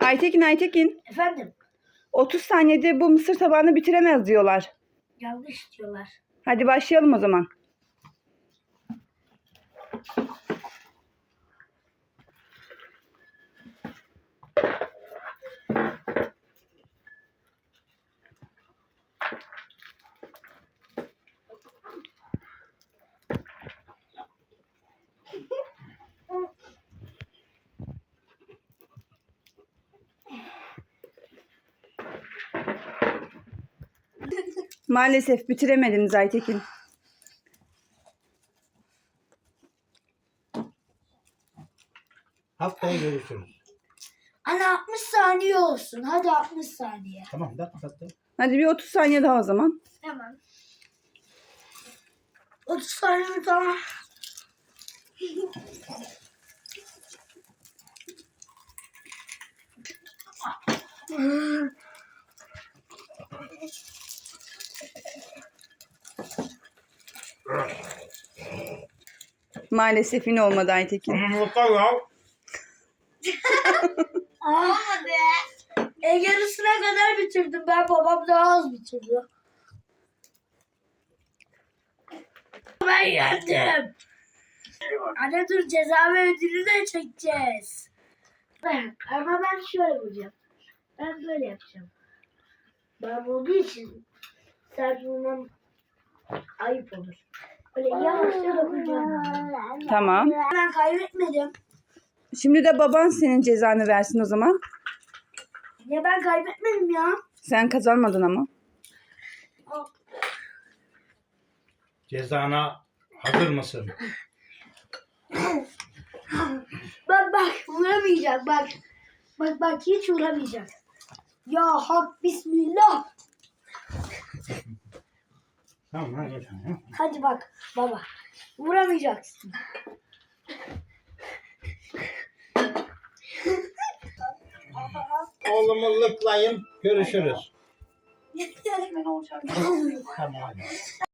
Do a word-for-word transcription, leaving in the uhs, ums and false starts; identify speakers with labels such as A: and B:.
A: Aytekin Aytekin.
B: Efendim?
A: otuz saniyede bu mısır tabağını bitiremez diyorlar.
B: Yanlış diyorlar.
A: Hadi başlayalım o zaman. Maalesef bitiremediniz Aytekin.
C: Haftaya görüşürüz.
B: Ana altmış saniye olsun. Hadi altmış saniye.
C: Tamam da kapattı.
A: Hadi bir otuz saniye daha o zaman.
B: Tamam. otuz saniye mi tamam?
A: Maalesef yine olmadı Aytekin.
C: Anlatar ya.
B: Olmadı. E yarısına kadar bitirdim ben. Babam daha az bitirdi. Ben yendim. Anne dur, ceza ve ödülü de çekeceğiz. Ben, ama ben şöyle vuracağım. Ben böyle yapacağım. Ben olduğu için sert vurmam ayıp olur. Böyle yavaşça dokunacağım.
A: Tamam.
B: Ben kaybetmedim.
A: Şimdi de baban senin cezanı versin o zaman.
B: Ya ben kaybetmedim ya.
A: Sen kazanmadın ama.
C: Cezana hazır mısın?
B: Bak bak vuramayacak bak. Bak bak hiç vuramayacak. Ya hak bismillah.
C: Tamam hadi.
B: Hadi bak baba. Vuramayacaksın.
C: Oğlumu lıklayın. Görüşürüz.
B: Ben olacağım.
C: Tamam hadi.